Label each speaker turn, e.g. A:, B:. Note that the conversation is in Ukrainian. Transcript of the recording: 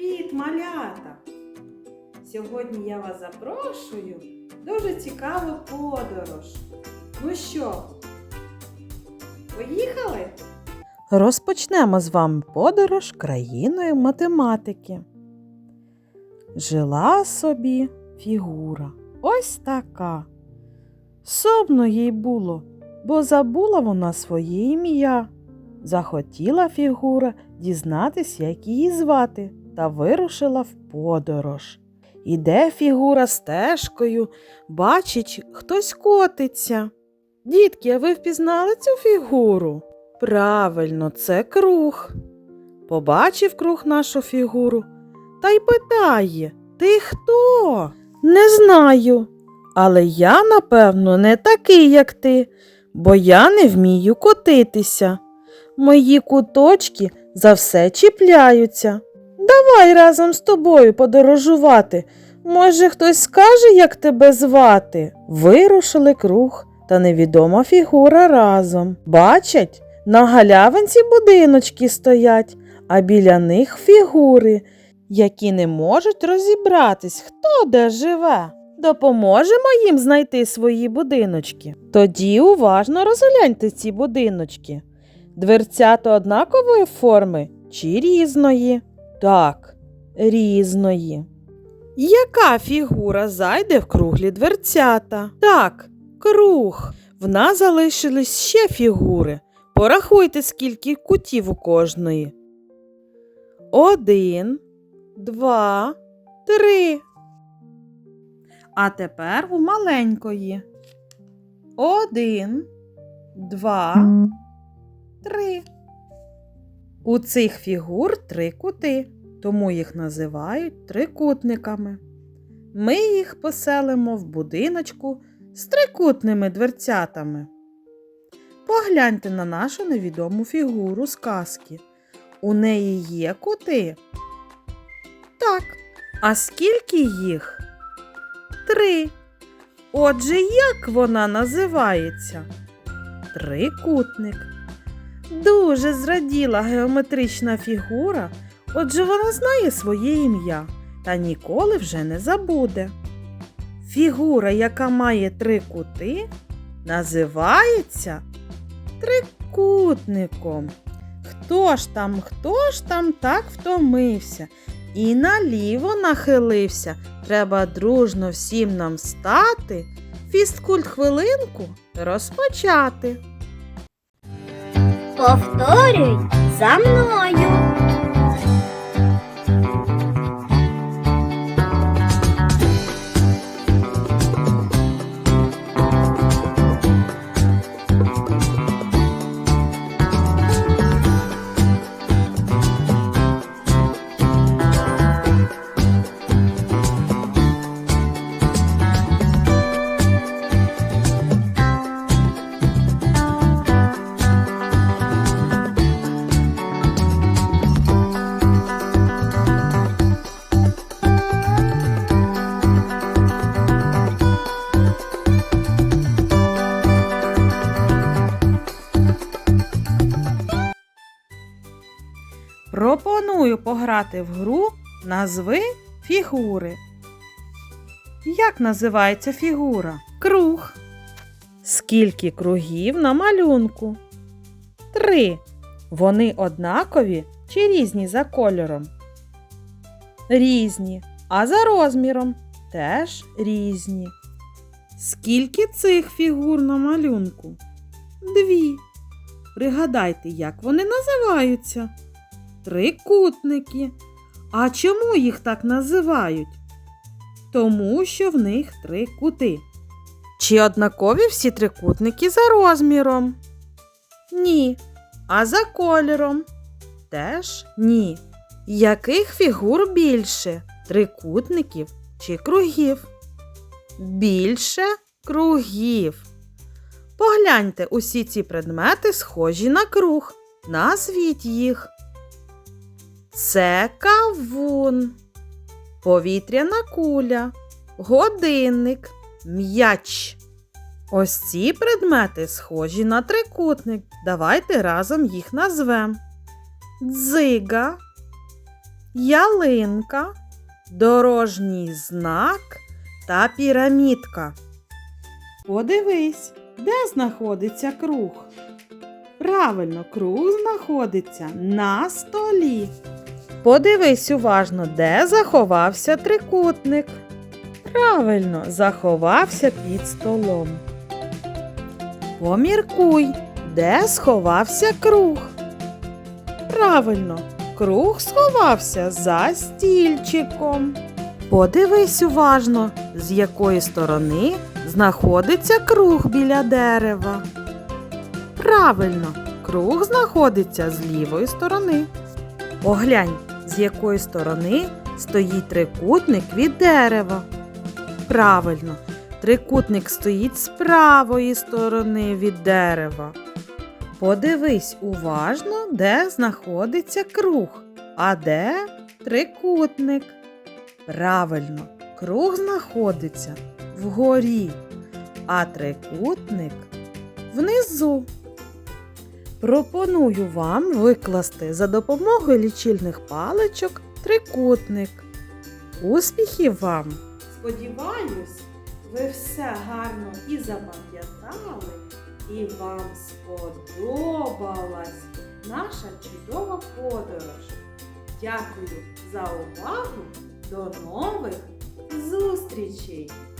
A: Привіт, малята! Сьогодні я вас запрошую в дуже цікаву подорож. Ну що, поїхали?
B: Розпочнемо з вами подорож країною математики. Жила собі фігура ось така. Сумно їй було, бо забула вона своє ім'я. Захотіла фігура дізнатись, як її звати, та вирушила в подорож. Іде фігура стежкою, бачить, хтось котиться. Дітки, а ви впізнали цю фігуру? Правильно, це круг. Побачив круг нашу фігуру та й питає: ти хто? Не знаю, але я, напевно, не такий, як ти, бо я не вмію котитися. Мої куточки за все чіпляються. Давай разом з тобою подорожувати. Може, хтось скаже, як тебе звати? Вирушили круг та невідома фігура разом. Бачать, на галявинці будиночки стоять, а біля них фігури, які не можуть розібратись, хто де живе. Допоможемо їм знайти свої будиночки. Тоді уважно розгляньте ці будиночки. Дверцята однакової форми чи різної? Так, різної. Яка фігура зайде в круглі дверцята? Так, круг. В нас залишились ще фігури. Порахуйте, скільки кутів у кожної. 1, 2, 3. А тепер у маленької. 1, 2, 3. У цих фігур 3 кути, тому їх називають трикутниками. Ми їх поселимо в будиночку з трикутними дверцятами. Погляньте на нашу невідому фігуру з казки. У неї є кути? Так. А скільки їх? 3. Отже, як вона називається? Трикутник. Дуже зраділа геометрична фігура, отже вона знає своє ім'я та ніколи вже не забуде. Фігура, яка має 3 кути, називається трикутником. Хто ж там так втомився і наліво нахилився? Треба дружно всім нам встати, фізкульт-хвилинку розпочати.
C: Повторюй за мною.
A: Пропоную пограти в гру «Назви фігури». Як називається фігура? Круг. Скільки кругів на малюнку? 3. Вони однакові чи різні за кольором? Різні. А за розміром? Теж різні. Скільки цих фігур на малюнку? 2. Пригадайте, як вони називаються? Трикутники. А чому їх так називають? Тому що в них 3 кути. Чи однакові всі трикутники за розміром? Ні. А за кольором? Теж ні. Яких фігур більше? Трикутників чи кругів? Більше кругів. Погляньте, усі ці предмети схожі на круг. Назвіть їх. Це кавун, повітряна куля, годинник, м'яч. Ось ці предмети схожі на трикутник. Давайте разом їх назвемо. Дзига,
B: ялинка, дорожній знак та пірамідка. Подивись, де знаходиться круг? Правильно, круг знаходиться на столі. Подивись уважно, де заховався трикутник. Правильно, заховався під столом. Поміркуй, де сховався круг. Правильно, круг сховався за стільчиком. Подивись уважно, з якої сторони знаходиться круг біля дерева. Правильно, круг знаходиться з лівої сторони. Поглянь, з якої сторони стоїть трикутник від дерева. Правильно, трикутник стоїть з правої сторони від дерева. Подивись уважно, де знаходиться круг, а де трикутник. Правильно, круг знаходиться вгорі, а трикутник внизу. Пропоную вам викласти за допомогою лічильних паличок трикутник. Успіхів вам!
A: Сподіваюсь, ви все гарно і запам'ятали, і вам сподобалась наша чудова подорож. Дякую за увагу! До нових зустрічей!